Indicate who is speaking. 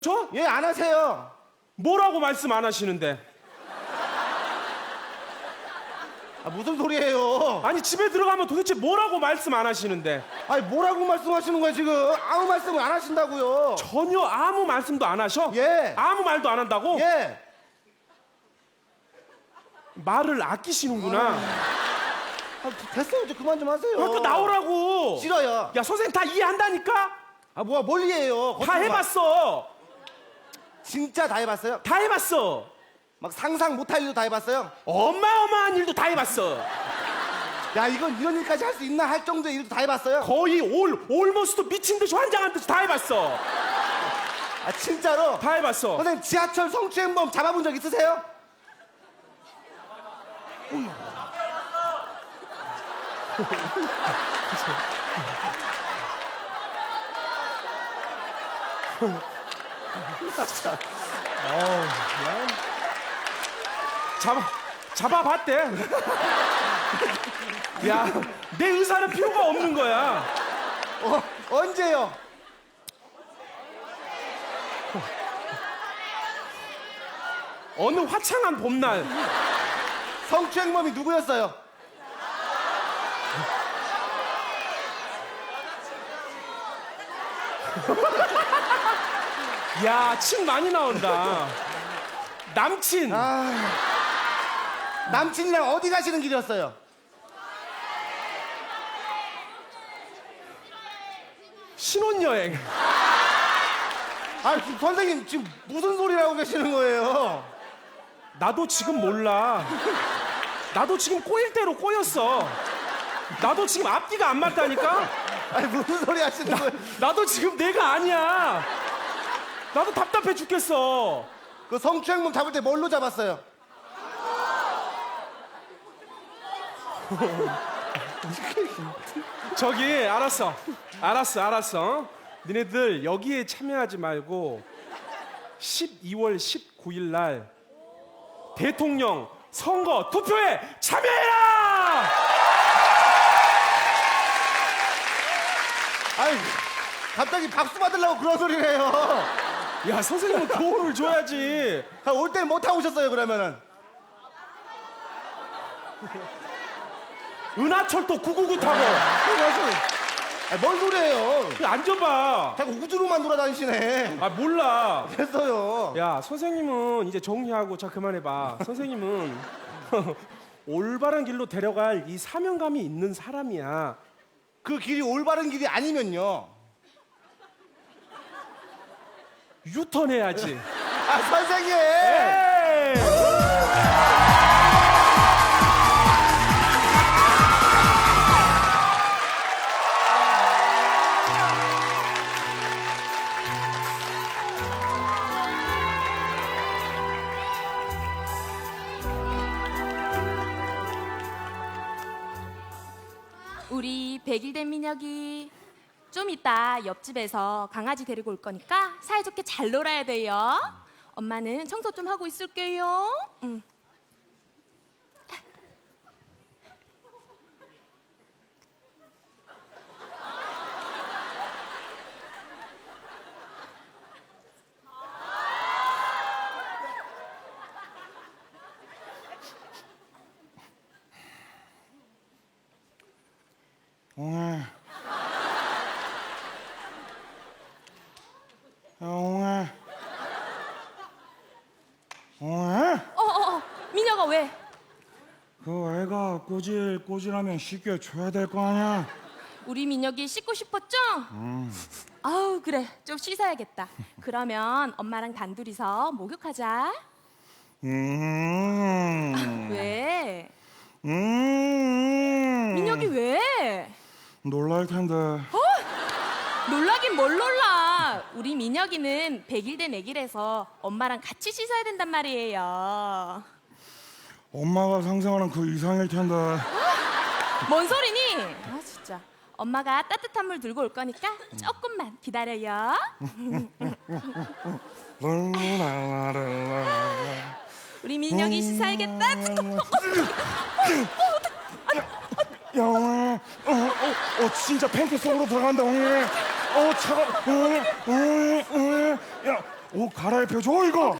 Speaker 1: 저?
Speaker 2: 예, 안 하세요.
Speaker 1: 뭐라고 말씀 안 하시는데?
Speaker 2: 아, 무슨 소리예요?
Speaker 1: 아니 집에 들어가면 도대체 뭐라고 말씀 안 하시는데?
Speaker 2: 아니, 뭐라고 말씀하시는 거예요, 지금? 아무 말씀을 안 하신다고요.
Speaker 1: 전혀 아무 말씀도 안 하셔?
Speaker 2: 예.
Speaker 1: 아무 말도 안 한다고?
Speaker 2: 예.
Speaker 1: 말을 아끼시는구나.
Speaker 2: 아, 됐어요. 이제 그만 좀 하세요.
Speaker 1: 그러니까 나오라고.
Speaker 2: 싫어요.
Speaker 1: 야 선생님 다 이해한다니까?
Speaker 2: 아, 뭐야, 뭘 이해해요?
Speaker 1: 다 해봤어.
Speaker 2: 진짜 다 해봤어요?
Speaker 1: 다 해봤어.
Speaker 2: 막 상상 못할 일도 다 해봤어요?
Speaker 1: 어마어마한 일도 다 해봤어.
Speaker 2: 야, 이건 이런 일까지 할 수 있나 할 정도의 일도 다 해봤어요?
Speaker 1: 거의 올모스트 미친 듯이 환장한 듯이 다 해봤어.
Speaker 2: 아, 진짜로?
Speaker 1: 다 해봤어.
Speaker 2: 선생님, 지하철 성추행범 잡아본 적 있으세요?
Speaker 1: 잡아봤대. 야, 내 의사는 필요가 없는 거야.
Speaker 2: 언제요?
Speaker 1: 어느 화창한 봄날.
Speaker 2: 성추행범이 누구였어요?
Speaker 1: 야, 침 많이 나온다. 남친.
Speaker 2: 남친이랑 어디 가시는 길이었어요?
Speaker 1: 신혼여행.
Speaker 2: 아, 지금 선생님 지금 무슨 소리를 하고 계시는 거예요?
Speaker 1: 나도 지금 몰라. 나도 지금 꼬일 대로 꼬였어. 나도 지금 앞뒤가 안 맞다니까?
Speaker 2: 아니, 무슨 소리 하시는 거예요?
Speaker 1: 나도 지금 내가 아니야. 나도 답답해 죽겠어.
Speaker 2: 그 성추행범 잡을 때 뭘로 잡았어요?
Speaker 1: 저기 알았어. 니네들 여기에 참여하지 말고 12월 19일 날 대통령 선거 투표에 참여해라!
Speaker 2: 아니, 갑자기 박수 받으려고 그런 소리를 해요.
Speaker 1: 야, 선생님은 교훈을 줘야지.
Speaker 2: 올 때 못 하고 오셨어요, 그러면은?
Speaker 1: 은하철도 999 타고.
Speaker 2: 아니, 뭔 소리예요?
Speaker 1: 앉아봐.
Speaker 2: 자꾸 우주로만 돌아다니시네.
Speaker 1: 아, 몰라.
Speaker 2: 됐어요.
Speaker 1: 야, 선생님은 이제 정리하고 자 그만해봐. 선생님은 올바른 길로 데려갈 이 사명감이 있는 사람이야.
Speaker 2: 그 길이 올바른 길이 아니면요.
Speaker 1: 유턴해야지.
Speaker 2: 아, 선생님!
Speaker 1: 에이!
Speaker 3: 우리 100일 된 민혁이 좀 이따 옆집에서 강아지 데리고 올 거니까 사이좋게 잘 놀아야 돼요. 엄마는 청소 좀 하고 있을게요. 응. 민혁아 왜?
Speaker 4: 그 애가 꼬질꼬질하면 쉽게 줘야 될 거 아니야?
Speaker 3: 우리 민혁이 씻고 싶었죠? 아우 그래 좀 씻어야겠다. 그러면 엄마랑 단둘이서 목욕하자. 왜? 민혁이 왜?
Speaker 4: 놀랄 텐데.
Speaker 3: 놀라긴 뭘 놀라. 우리 민혁이는 100일 된 애기라서 엄마랑 같이 씻어야 된단 말이에요.
Speaker 4: 엄마가 상상하는 그 이상일 텐데.
Speaker 3: 뭔 소리니? 아 진짜. 엄마가 따뜻한 물 들고 올 거니까 조금만 기다려요. 우리 민혁이 씻어야겠다.
Speaker 4: 영아, 진짜 팬티 속으로 들어간다, 형님. 차가, 야, 옷 갈아입혀줘 이거.